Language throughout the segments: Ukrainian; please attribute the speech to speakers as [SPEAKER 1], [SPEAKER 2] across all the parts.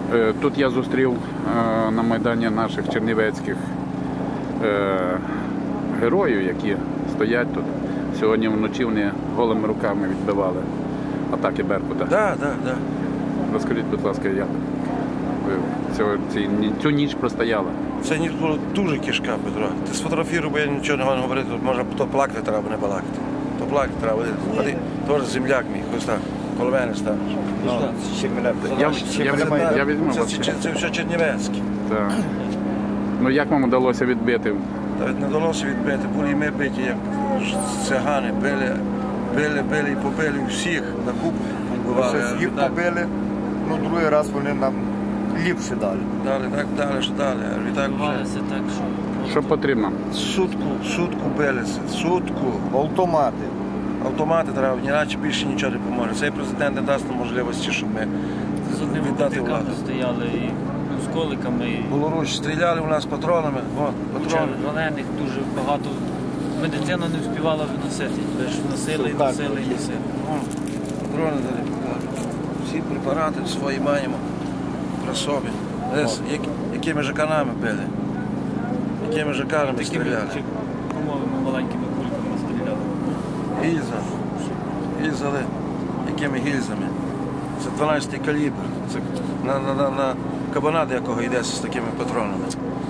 [SPEAKER 1] Тут я зустрів на Майдані наших чернівецьких героїв, які стоять тут. Сьогодні вночі вони голими руками відбивали атаки Беркута.
[SPEAKER 2] Так.
[SPEAKER 1] Розкажіть, будь ласка, як ви цю ніч простояли?
[SPEAKER 2] Ця ніч була дуже кішка, Петро. Ти сфотографіруй, бо я нічого не можу говорити, тут може то плакати треба, або не балакати. То плакати треба, а ти теж земляк мій, ось так, коло мене станеш.
[SPEAKER 1] Я візьму вас.
[SPEAKER 2] Це все чернівецьке.
[SPEAKER 1] Так. Ну як вам вдалося відбити?
[SPEAKER 2] Навіть не вдалося відбити, були і ми биті, як цигани, били і побили всіх на купу.
[SPEAKER 3] Їх побили, ну другий раз вони нам ліпше дали.
[SPEAKER 2] Дали, що дали.
[SPEAKER 1] Що потрібно?
[SPEAKER 2] Сутку билися, сутку. Автомати треба, іначе більше нічого не поможе. Цей президент не дасть нам можливості, щоб ми віддати владу.
[SPEAKER 4] Стояли і з коликами.
[SPEAKER 2] Білорусь стріляли у нас патронами.
[SPEAKER 4] Ранених дуже багато. Медицина не встигала виносити. Носили.
[SPEAKER 2] Патрони дали. Всі препарати свої маємо при собі. Якими жаканами били. Якими жаканами стріляли.
[SPEAKER 4] По-моєму, маленькими кульками стріляли.
[SPEAKER 2] Гільзали. Якими гільзами? Це 12-й калібр. Це на кабанад, якого йде з такими патронами.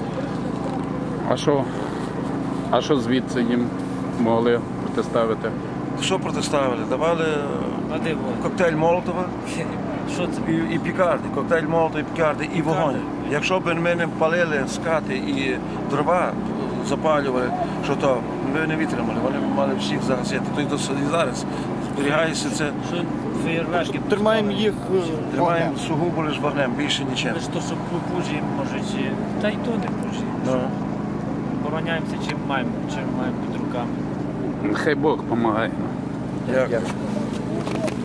[SPEAKER 1] А що звідси їм могли протиставити?
[SPEAKER 2] Що протиставили? Давали коктейль Молотова і пікарди. Коктейль Молотова і пікарди і вогонь. Якщо б ми не палили скати і дрова запалювали, що то ми не витримали, вони мали всіх загасити. То й до зараз зберігається це.
[SPEAKER 3] Тримаємо їх
[SPEAKER 2] Тримаємо сугубо лише вогнем, більше нічим.
[SPEAKER 4] Лише то, що пужі, може, та й то не пужі. Обороняємося чим маємо під руками.
[SPEAKER 1] Хай Бог допомагає.
[SPEAKER 2] Дякую.